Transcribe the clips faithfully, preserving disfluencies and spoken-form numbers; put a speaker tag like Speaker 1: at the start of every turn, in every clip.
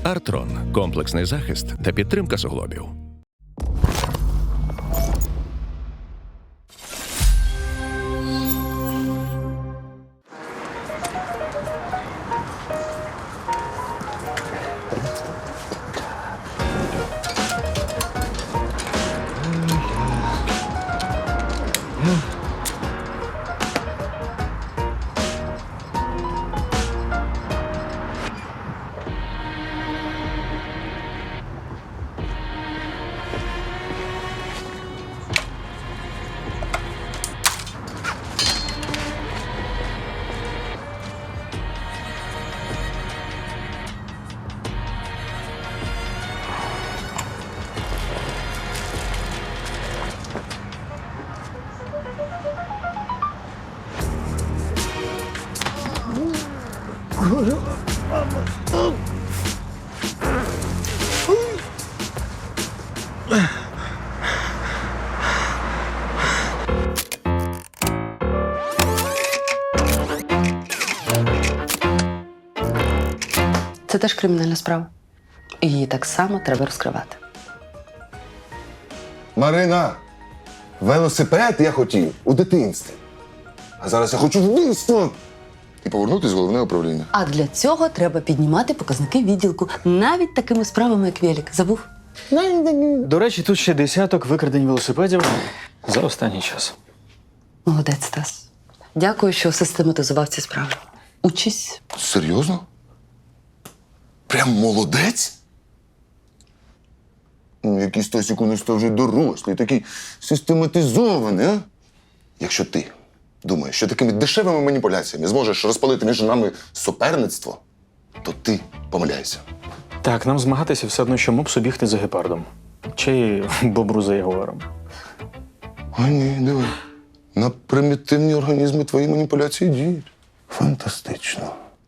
Speaker 1: Артрон – комплексний захист та підтримка суглобів.
Speaker 2: Це теж кримінальна справа. І її так само треба розкривати.
Speaker 3: Марина, велосипед я хотів у дитинстві. А зараз я хочу вбивство. І повернутися в головне управління.
Speaker 2: А для цього треба піднімати показники відділку. Навіть такими справами, як велик. Забув?
Speaker 4: До речі, тут ще десяток викрадень велосипедів за останній час.
Speaker 2: Молодець, Стас. Дякую, що систематизував ці справи. Учись.
Speaker 3: Серйозно? Прям молодець? Ну, якийсь Тосік у нас то вже дорослий, такий систематизований, а? Якщо ти думаєш, що такими дешевими маніпуляціями зможеш розпалити між нами суперництво, то ти помиляєшся.
Speaker 4: Так, нам змагатися все одно, що мопсу бігти за гепардом. Чи бобру за ягуаром.
Speaker 3: А ні, диви. На примітивні організми твої маніпуляції діють. Фантастично.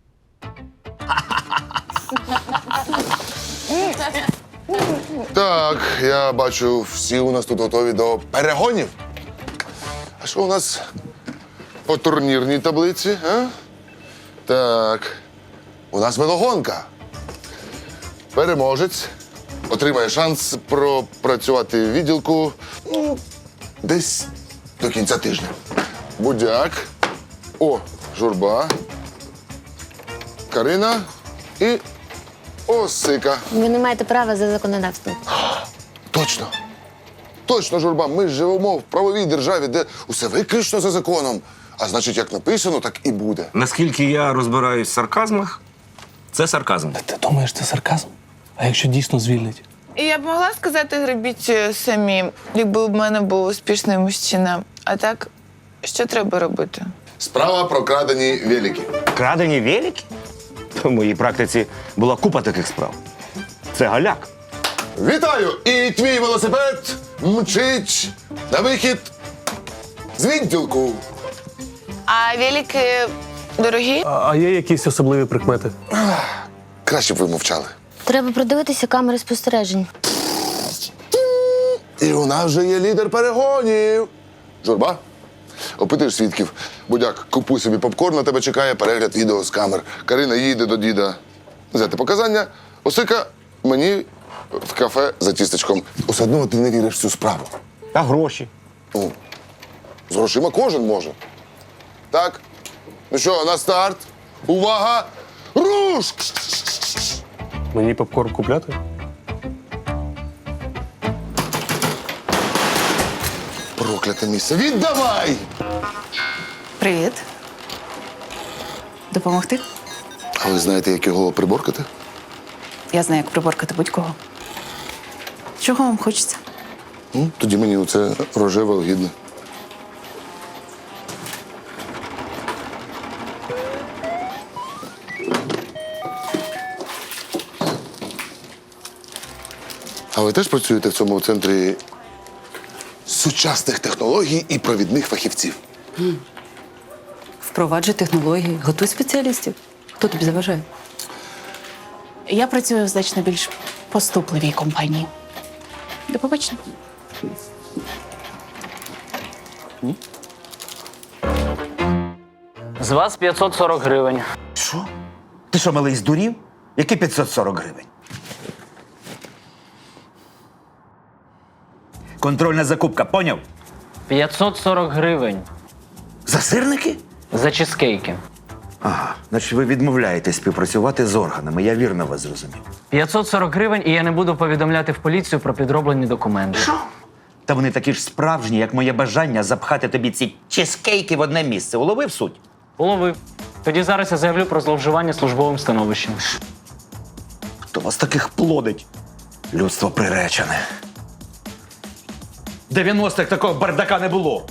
Speaker 3: Так, я бачу, всі у нас тут готові до перегонів. А що у нас по турнірній таблиці, а? Так, у нас велогонка. Переможець отримає шанс пропрацювати в відділку ну, десь до кінця тижня. Будяк, о, Журба, Карина і Осика.
Speaker 5: Ви не маєте права за законодавством.
Speaker 3: Точно. Точно, Журба, ми ж живемо в правовій державі, де усе виключно за законом. А значить, як написано, так і буде.
Speaker 6: Наскільки я розбираюсь в сарказмах, це сарказм.
Speaker 7: Ти думаєш, це сарказм? А якщо дійсно звільнить?
Speaker 8: І я б могла сказати, гребіть самі, якби в мене був успішний мужчина. А так, що треба робити?
Speaker 3: Справа про крадені велики.
Speaker 6: Крадені велики? В моїй практиці була купа таких справ. Це галяк.
Speaker 3: Вітаю! І твій велосипед мчить на вихід з відділку.
Speaker 8: А велики дорогі?
Speaker 7: А, а є якісь особливі прикмети?
Speaker 3: Краще б ви мовчали.
Speaker 5: Треба продивитися камери спостережень.
Speaker 3: І у нас вже є лідер перегонів. Журба, опитуєш свідків. Будяк, купуй собі попкорн, на тебе чекає перегляд відео з камер. Карина їде до діда взяти показання. Осика мені в кафе за тістечком. Усе одно ти не віриш в цю справу.
Speaker 6: Та гроші.
Speaker 3: Ну, з грошима кожен може. Так? Ну що, на старт. Увага! Руш!
Speaker 7: Мені попкорн купляти?
Speaker 3: Прокляте місце. Віддавай!
Speaker 9: Привіт. Допомогти?
Speaker 3: А ви знаєте, як його приборкати?
Speaker 9: Я знаю, як приборкати будь-кого. Чого вам хочеться?
Speaker 3: Ну, тоді мені оце рожеве огідне. А ви теж працюєте в цьому центрі сучасних технологій і провідних фахівців?
Speaker 2: Впроваджуй технології, готуй спеціалістів. Хто тобі заважає?
Speaker 9: Я працюю в значно більш поступливій компанії. До побачення.
Speaker 10: З вас п'ятсот сорок гривень.
Speaker 6: Що? Ти що, малий, здурів? Які п'ятсот сорок гривень? Контрольна закупка, поняв?
Speaker 10: п'ятсот сорок гривень
Speaker 6: За сирники?
Speaker 10: за чизкейки.
Speaker 6: Ага, значить ви відмовляєтесь співпрацювати з органами. Я вірно вас зрозумів.
Speaker 10: п'ятсот сорок гривень, і я не буду повідомляти в поліцію про підроблені документи.
Speaker 6: Та вони такі ж справжні, як моє бажання запхати тобі ці чизкейки в одне місце. Уловив суть?
Speaker 10: Уловив. Тоді зараз я заявлю про зловживання службовим становищем.
Speaker 6: Хто вас таких плодить? Людство приречене. В дев'яностих такого бардака не було.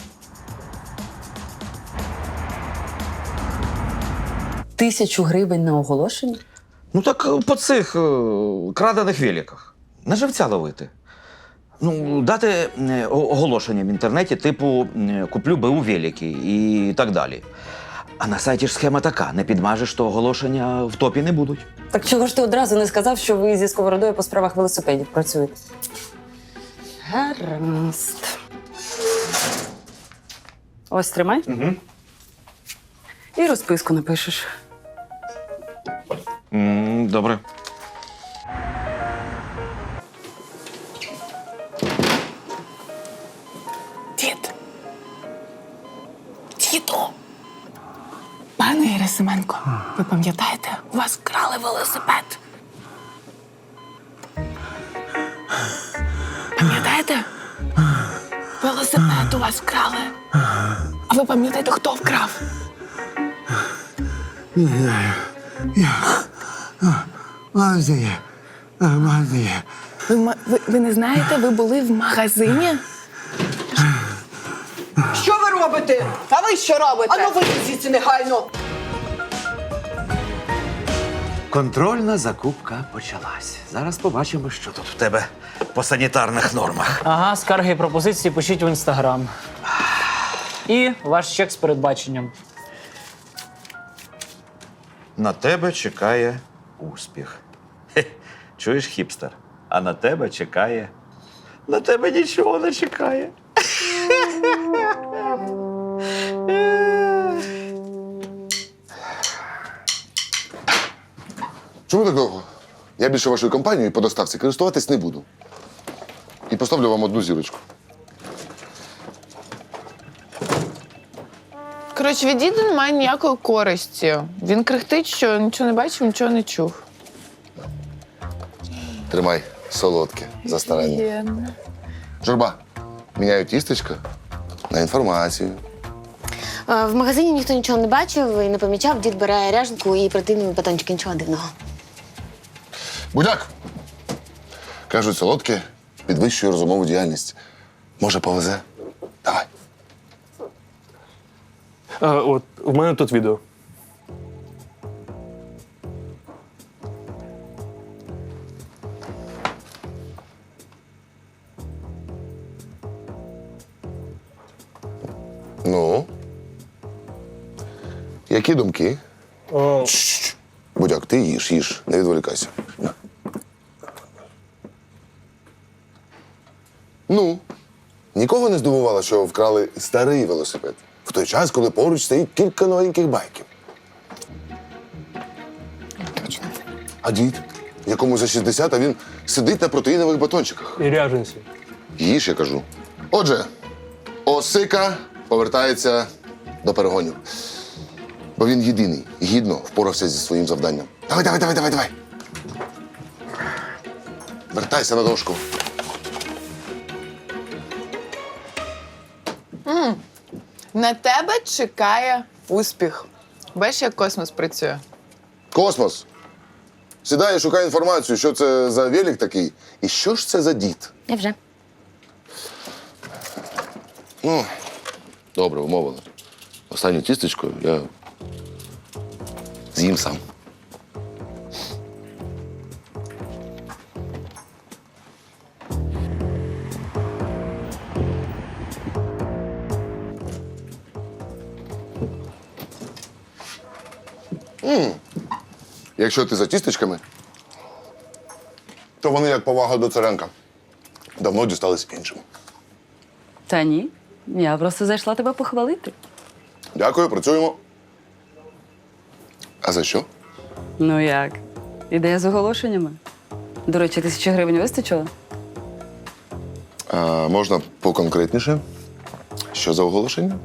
Speaker 2: Тисячу гривень на оголошення?
Speaker 6: Ну так е, по цих е, крадених великах. На живця ловити. Ну, дати е, о- оголошення в інтернеті, типу е, куплю БУ велики і так далі. А на сайті ж схема така: не підмажеш, то оголошення в топі не будуть.
Speaker 2: Так чого ж ти одразу не сказав, що ви зі сковородою по справах велосипедів працюєте? Гаразд. Ось тримай. Угу. І розписку напишеш.
Speaker 6: М, Добре.
Speaker 9: Дід. Діду. Пане Герасименко, ви пам'ятаєте, у вас крали велосипед? Пам'ятаєте? Велосипед у вас вкрали. А ви пам'ятаєте, хто вкрав?
Speaker 11: Магазині. Магазині.
Speaker 9: Ви, ма- ви, ви не знаєте, ви були в магазині?
Speaker 12: Що ви робите? А ви що робите? Ану вийдіть звідси негайно.
Speaker 6: Контрольна закупка почалась. Зараз побачимо, що тут в тебе по санітарних нормах.
Speaker 10: Ага, скарги і пропозиції пишіть в інстаграм. І ваш чек з передбаченням.
Speaker 6: На тебе чекає успіх. Хе, чуєш, хіпстер? А на тебе чекає. На тебе нічого не чекає.
Speaker 3: Чому так довго? Я більше вашою компанією по доставці користуватись не буду. І поставлю вам одну зірочку.
Speaker 8: Коротше, від діда немає ніякої користі. Він крихтить, що нічого не бачив, нічого не чув.
Speaker 3: Тримай солодке за старання. Журба, міняю тістечко на інформацію.
Speaker 5: Е, В магазині ніхто нічого не бачив і не помічав. Дід бере ряженку і противний батончик. Нічого дивного.
Speaker 3: Будяк! Кажуть, солодке підвищує розумову діяльність. Може, повезе? Давай.
Speaker 7: А, от, у мене тут відео.
Speaker 3: Ну? Які думки?
Speaker 7: О,
Speaker 3: Чш-чш. Будяк, ти їж, їж, не відволікайся. На. Ну, нікого не здивувало, що вкрали старий велосипед. В той час, коли поруч стоїть кілька новеньких байків.
Speaker 5: Точно.
Speaker 3: А дід, якому за шістдесят, а він сидить на протеїнових батончиках.
Speaker 7: і ряженці.
Speaker 3: Їж, я кажу. Отже, Осика повертається до перегонів. Бо він єдиний, гідно впорався зі своїм завданням. Давай, давай, давай, давай, давай. Вертайся на дошку.
Speaker 8: На тебе чекає успіх. Бачиш, як космос працює?
Speaker 3: Космос. Сідай і шукай інформацію, що це за велик такий і що ж це за дід.
Speaker 5: Я вже.
Speaker 3: Ну, добре, умовили. Останню тістечко я з'їм сам. М. Якщо ти за тістечками, то вони як повага до Царенка. Давно дістались іншим.
Speaker 2: Та ні. Я просто зайшла тебе похвалити.
Speaker 3: Дякую, працюємо. А за що?
Speaker 2: Ну як? Ідея з оголошеннями. До речі, тисячі гривень вистачило?
Speaker 3: А можна поконкретніше? Що за оголошення?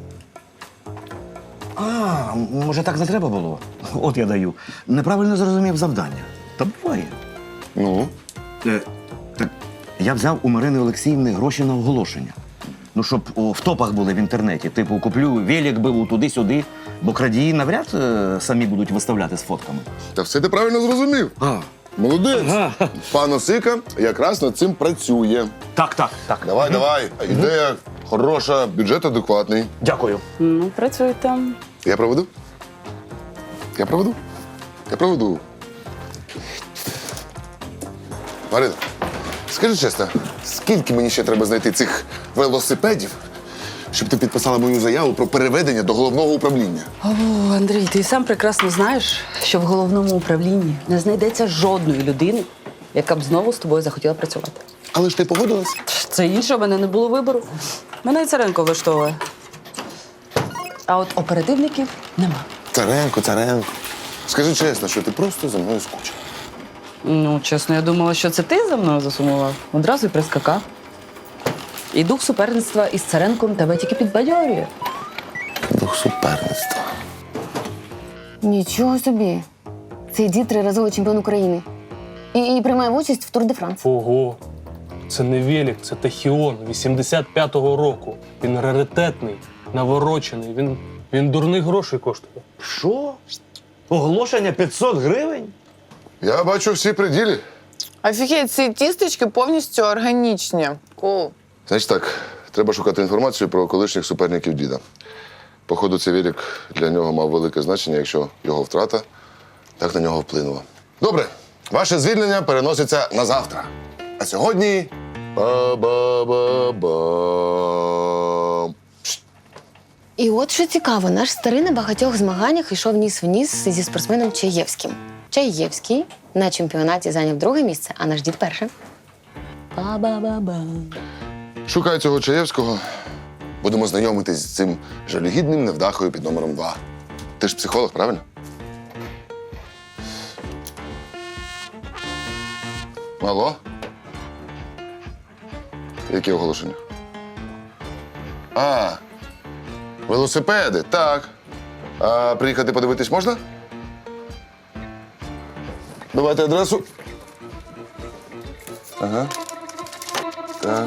Speaker 6: А, може, так не треба було? От я даю. Неправильно зрозумів завдання. Та буває.
Speaker 3: Ну,
Speaker 6: Е, так, я взяв у Марини Олексіївни гроші на оголошення. Ну, щоб о, в топах були в інтернеті. Типу, куплю велик, биву туди-сюди, бо крадії навряд е, самі будуть виставляти з фотками.
Speaker 3: та все ти правильно зрозумів.
Speaker 6: А,
Speaker 3: Молодець.
Speaker 6: Ага.
Speaker 3: Пан Осика якраз над цим працює.
Speaker 6: так, так, так.
Speaker 3: Давай, давай. Ідея хороша, бюджет адекватний.
Speaker 6: Дякую.
Speaker 2: Ну, працюйте.
Speaker 3: Я проведу? Я проведу? Я проведу. Марина, скажи чесно, скільки мені ще треба знайти цих велосипедів, щоб ти підписала мою заяву про переведення до головного управління?
Speaker 2: О, Андрій, ти сам прекрасно знаєш, що в головному управлінні не знайдеться жодної людини, яка б знову з тобою захотіла працювати.
Speaker 3: Але ж ти погодилась?
Speaker 2: Це інше, у мене не було вибору. Мене і Царенко влаштовує. А от оперативників нема.
Speaker 3: Царенко, Царенко. Скажи чесно, що ти просто за мною скучив.
Speaker 2: Ну, чесно, я думала, що це ти за мною засумував. Одразу й прискакав. І дух суперництва із Царенком тебе тільки підбадьорює.
Speaker 3: Дух суперництва.
Speaker 5: Нічого собі. Цей дід триразовий чемпіон України. І, і приймає участь в Тур де Франс.
Speaker 7: Ого. Це не велик, це Тахіон вісімдесят п'ятого року. Він раритетний, наворочений. Він, він дурних грошей коштує.
Speaker 6: Що? Оголошення п'ятсот гривень?
Speaker 3: Я бачу всі приділі.
Speaker 8: Офігеть, ці тістечки повністю органічні. Кул.
Speaker 3: Значить так, треба шукати інформацію про колишніх суперників діда. Походу, цей велик для нього мав велике значення, якщо його втрата так на нього вплинула. Добре, ваше звільнення переноситься на завтра. А сьогодні ба-ба-ба-бам.
Speaker 5: І от що цікаво, наш старий на багатьох змаганнях йшов ніс в ніс зі спортсменом Чаєвським. Чаєвський на чемпіонаті зайняв друге місце, а наш дід перше. Ба-ба-ба-ба.
Speaker 3: Шукай цього Чаєвського. Будемо знайомитись з цим жалюгідним невдахою під номером два. Ти ж психолог, правильно? Алло? Які оголошення? А, велосипеди, так. А приїхати подивитись можна? Давайте адресу. Ага. Так.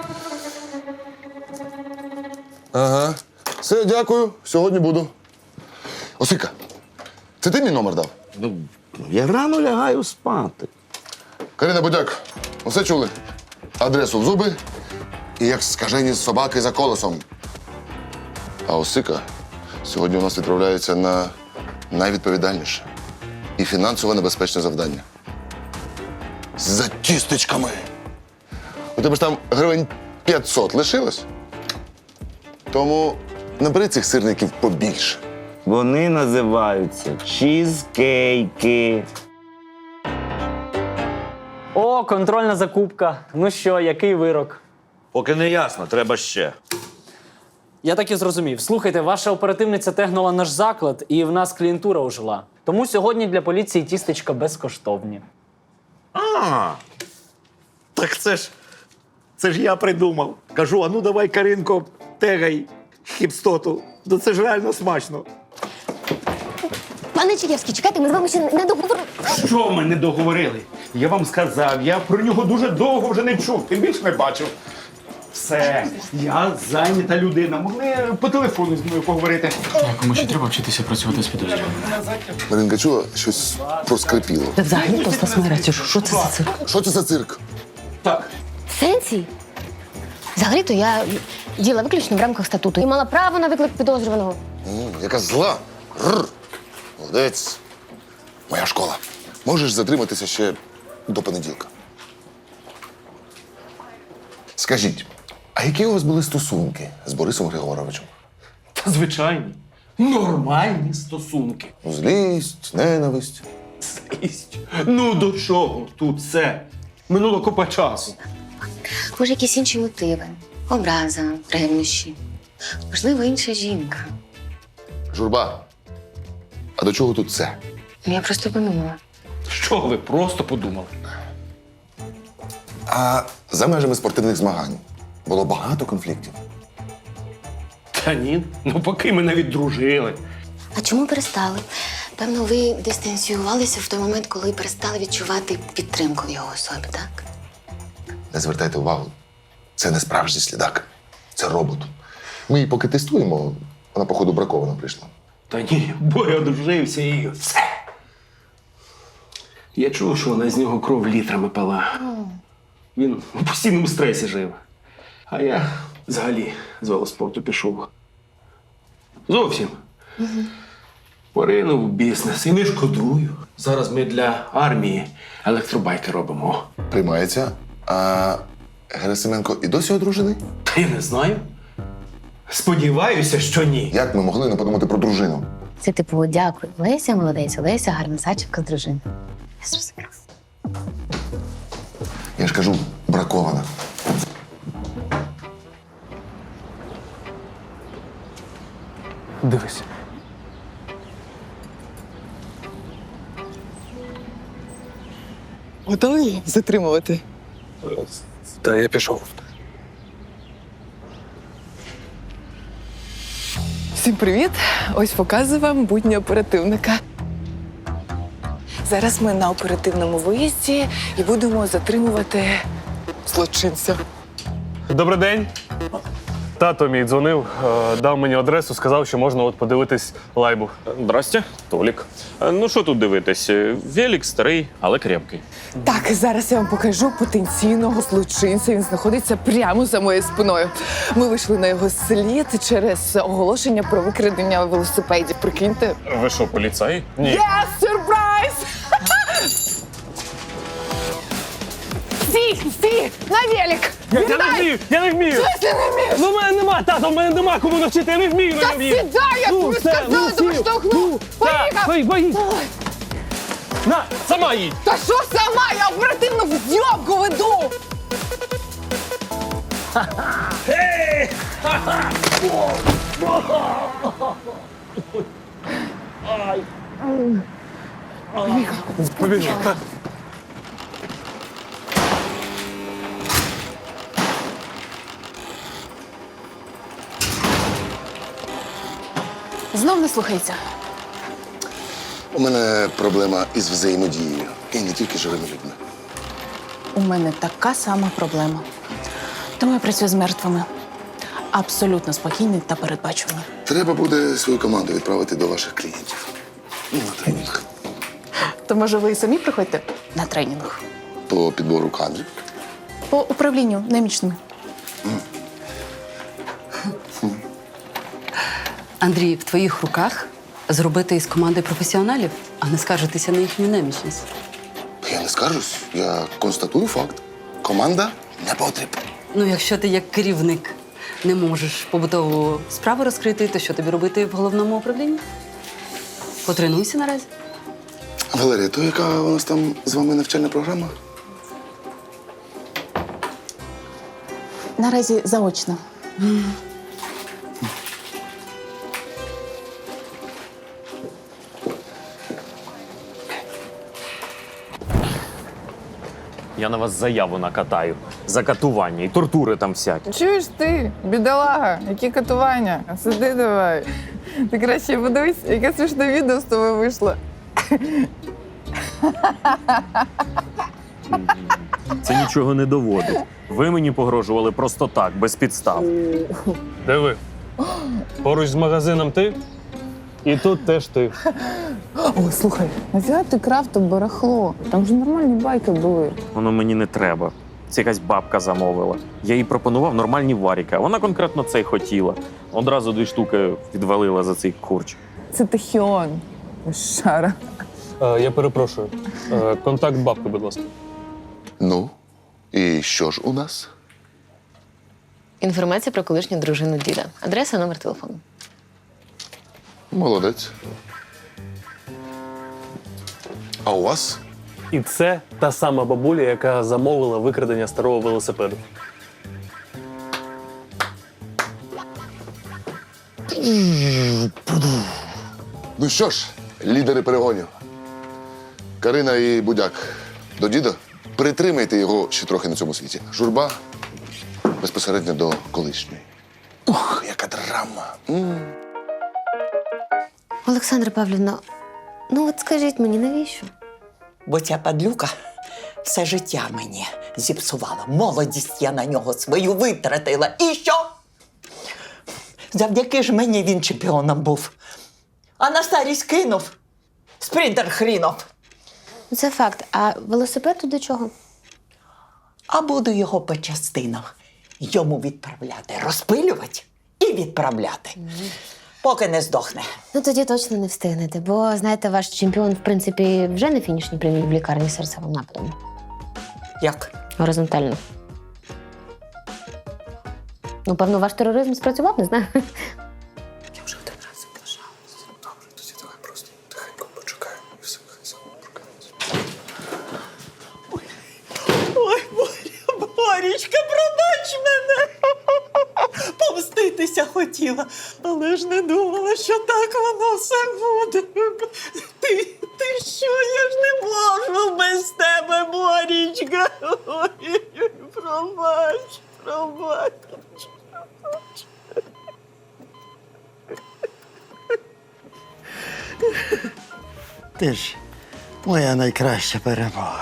Speaker 3: Ага. Все, дякую. Сьогодні буду. Осика, це ти мій номер дав?
Speaker 6: Ну, я рано лягаю спати.
Speaker 3: Карина Будяк, усе чули? Адресу в зуби і як скажені собаки за колесом. А Осика сьогодні у нас відправляється на найвідповідальніше і фінансово небезпечне завдання. За тістечками. У тебе ж там гривень п'ятсот лишилось? Тому набери цих сирників побільше.
Speaker 6: Вони називаються чізкейки.
Speaker 10: О, контрольна закупка. Ну що, який вирок?
Speaker 6: Поки не ясно, треба ще.
Speaker 10: Я так і зрозумів. Слухайте, ваша оперативниця тегнула наш заклад, і в нас клієнтура ожила. Тому сьогодні для поліції тістечка безкоштовні.
Speaker 13: А, так це ж, це ж я придумав. Кажу, а ну давай, Каринко, тегай хіпстоту. Ну це ж реально смачно.
Speaker 5: Пане Чаєвський, чекайте, ми з вами ще не договорили.
Speaker 13: Що ми не договорили? Я вам сказав, я про нього дуже довго вже не чув, тим більше не бачив. Все, я зайнята людина. Могли по телефону з мною поговорити.
Speaker 4: Кому ще треба вчитися працювати з підозрюваними?
Speaker 3: Маринка чула, щось проскрипіло.
Speaker 2: Та взагалі то Стас що, що це за цирк?
Speaker 3: Що це за цирк?
Speaker 13: Так.
Speaker 5: В сенсі? Взагалі-то я діла виключно в рамках статуту і мала право на виклик підозрюваного.
Speaker 3: М, яка зла. Рр. Молодець. Моя школа. Можеш затриматися ще до понеділка. Скажіть, а які у вас були стосунки з Борисом Григоровичем?
Speaker 7: Та звичайні. Нормальні стосунки.
Speaker 3: Злість, ненависть.
Speaker 7: Злість. Ну до чого тут це? Минуло купа часу.
Speaker 5: Може, якісь інші мотиви. Образа, ревнощі. Можливо, інша жінка.
Speaker 3: Журба, а до чого тут це?
Speaker 5: Я просто подумала.
Speaker 13: Що ви просто подумали?
Speaker 3: А за межами спортивних змагань було багато конфліктів.
Speaker 13: Та ні, ну поки ми навіть дружили.
Speaker 5: А чому перестали? Певно, ви дистанціювалися в той момент, коли перестали відчувати підтримку в його особі, так?
Speaker 3: Не звертайте увагу, це не справжній слідак, це робот. Ми її поки тестуємо, вона, походу, бракована прийшла.
Speaker 13: Та ні, бо я одружився і все. Я чув, що вона з нього кров літрами пила. Він у постійному стресі жив. А я взагалі з велоспорту пішов. Зовсім. Поринув у бізнес і не шкодую. Зараз ми для армії електробайки робимо.
Speaker 3: Приймається. А Герасименко і досі одружений?
Speaker 13: Та я не знаю. Сподіваюся, що ні.
Speaker 3: Як ми могли не подумати про дружину?
Speaker 5: Це типу, дякую. Леся, молодець, Леся, гарна сачівка з дружини. Я зрозуміла.
Speaker 3: Я ж кажу, бракована.
Speaker 7: Дивись.
Speaker 12: Готові затримувати?
Speaker 7: Та я пішов.
Speaker 12: Всім привіт! Ось показую вам будні оперативника. Зараз ми на оперативному виїзді і будемо затримувати злочинця.
Speaker 7: Добрий день. Тато мій дзвонив, е, дав мені адресу, сказав, що можна от подивитись лайбу.
Speaker 14: Здрасте, Толік. Е, Ну що тут дивитись? Е, Велик старий, але крепкий.
Speaker 12: Так, зараз я вам покажу потенційного злочинця. Він знаходиться прямо за моєю спиною. Ми вийшли на його слід через оголошення про викрадення велосипедів. Прикиньте.
Speaker 14: Ви що, поліцай? Ні.
Speaker 12: Є, сюрприз! Стій, стій! На велик!
Speaker 7: Я, я не вмію! Я не вмію!
Speaker 12: Що ти не вмієш?
Speaker 7: Ну, в мене нема, тато, в мене нема кому навчити, я не вмію!
Speaker 12: Та
Speaker 7: не вмію.
Speaker 12: сідай, я тобі
Speaker 7: все,
Speaker 12: сказала, тебе
Speaker 7: сів.
Speaker 12: штовхну!
Speaker 7: Так,
Speaker 12: Поїхав!
Speaker 7: бої, бої. На, сама їдь!
Speaker 12: Та що сама? Я оперативно в зйомку веду!
Speaker 7: Побіжу.
Speaker 9: Знов не слухається.
Speaker 3: У мене проблема із взаємодією. І не тільки з живими людьми.
Speaker 9: У мене така сама проблема. Тому я працюю з мертвими. Абсолютно спокійний та передбачуваний.
Speaker 3: Треба буде свою команду відправити до ваших клієнтів. Ну, на тренінг.
Speaker 9: То може ви і самі приходьте на тренінг?
Speaker 3: По підбору кадрів.
Speaker 9: По управлінню немічними.
Speaker 2: Андрій, в твоїх руках зробити із команди професіоналів, а не скаржитися на їхню немічність.
Speaker 3: Я не скаржусь, я констатую факт. Команда не потрібна.
Speaker 2: Ну, якщо ти як керівник не можеш побутову справу розкрити, то що тобі робити в головному управлінні? Потренуйся наразі.
Speaker 3: Валерія, то яка у нас там з вами навчальна програма?
Speaker 9: Наразі заочно.
Speaker 14: Я на вас заяву накатаю. За катування і тортури там всякі.
Speaker 8: Чуєш ти, бідолага, які катування? Сиди давай. Ти краще подивись, яке смішне відео з тобою вийшло.
Speaker 14: Це нічого не доводить. Ви мені погрожували просто так, без підстав.
Speaker 7: Диви. Поруч з магазином ти, і тут теж ти.
Speaker 8: О, слухай, нафіга ти крав то барахло? Там ж нормальні байки були.
Speaker 14: Воно мені не треба. Це якась бабка замовила. Я їй пропонував нормальні варіки, а вона конкретно це й хотіла. Одразу дві штуки відвалила за цей курч.
Speaker 8: Це Тахіон. Шара.
Speaker 7: Е, я перепрошую. Е, контакт бабки, будь ласка.
Speaker 3: Ну, і що ж у нас?
Speaker 5: Інформація про колишню дружину діда. Адреса, номер телефону.
Speaker 3: Молодець. А у вас?
Speaker 7: І це та сама бабуля, яка замовила викрадення старого велосипеду.
Speaker 3: Ну що ж, лідери перегонів. Карина і Будяк до діда. Притримайте його ще трохи на цьому світі. Журба безпосередньо до колишньої. Ух, яка драма. М.
Speaker 5: Олександра Павлівна, ну от скажіть мені, навіщо?
Speaker 15: Бо ця падлюка все життя мені зіпсувала. Молодість я на нього свою витратила. І що? Завдяки ж мені він чемпіоном був. А на старість кинув. Спринтер хрінов.
Speaker 5: Це факт. А велосипед тут до чого?
Speaker 15: А буду його по частинах йому відправляти. Розпилювати і відправляти. Поки не здохне.
Speaker 5: Ну тоді точно не встигнете, бо, знаєте, ваш чемпіон, в принципі, вже на фінішній прямій в лікарні з серцевим нападом.
Speaker 15: Як?
Speaker 5: Горизонтально. Ну, певно, ваш тероризм спрацював, не знаю.
Speaker 15: Я вже один раз заблажалася. Добре, тоді давай просто тихенько почекаємо і все, хай само прокинеться. Ой, ой, Боря, Борічка, пробач мене. Помститися хотіла, але ж не думала, що так воно все буде. Ти, ти що, я ж не можу без тебе, Борічка. Ой, пробач, пробач.
Speaker 11: Ти ж моя найкраща перемога.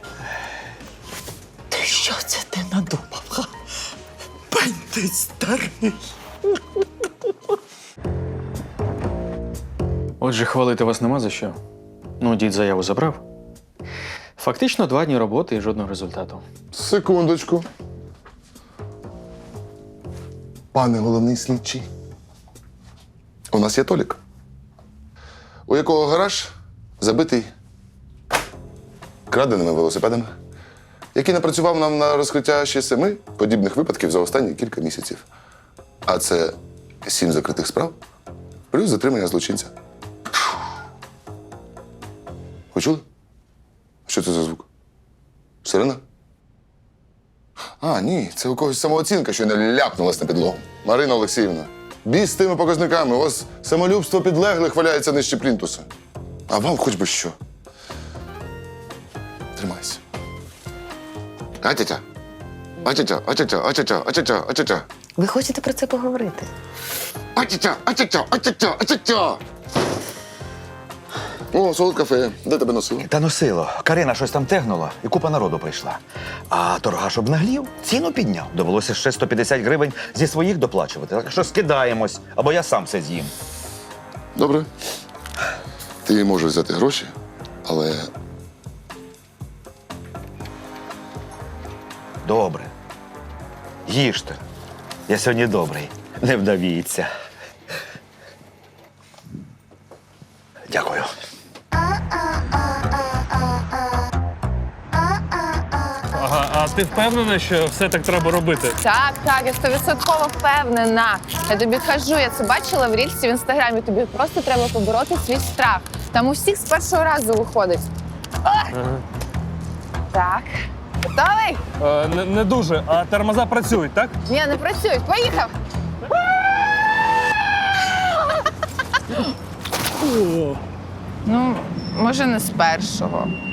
Speaker 15: Ти що це ти надумав, га? Пань ти старий.
Speaker 4: Отже, хвалити вас нема за що. Ну, дід заяву забрав. Фактично два дні роботи і жодного результату.
Speaker 3: Секундочку. Пане головний слідчий. У нас є Толік, у якого гараж забитий краденими велосипедами, який напрацював нам на розкриття ще семи подібних випадків за останні кілька місяців. А це сім закритих справ, плюс затримання злочинця. Ви чули? Що це за звук? Сирена? А, ні, це у когось самооцінка, що не ляпнулась на підлогу. Марина Олексіївна, біс з тими показниками. У вас самолюбство підлеглих валяється нижче плінтуса. А вам хоч би що. Тримайся. Атятя. Атятя, атятя, атятя, атятя, атятя.
Speaker 5: Ви хочете про це поговорити?
Speaker 3: Атятя, атятя, атятя, атятя. О, солодка фея. Де тебе носило?
Speaker 6: Та носило. Карина щось там тегнула, і купа народу прийшла. А торгаш обнаглів, ціну підняв. Довелося ще сто п'ятдесят гривень зі своїх доплачувати. Так що скидаємось, або я сам все з'їм.
Speaker 3: Добре. Ти можеш взяти гроші, але
Speaker 6: Добре. Їжте. Я сьогодні добрий. Не вдавіться. Дякую.
Speaker 7: Ага, а ти впевнена, що все так треба робити?
Speaker 8: Так, так, я стовідсотково впевнена. Я тобі кажу, я це бачила в рільсі в інстаграмі. Тобі просто треба побороти свій страх. Там у всіх з першого разу виходить. Ага. Так. Готовий?
Speaker 7: Е, не, не дуже, а тормоза працюють, так?
Speaker 8: Ні, не працюють. Поїхав. Ну, може, не з першого.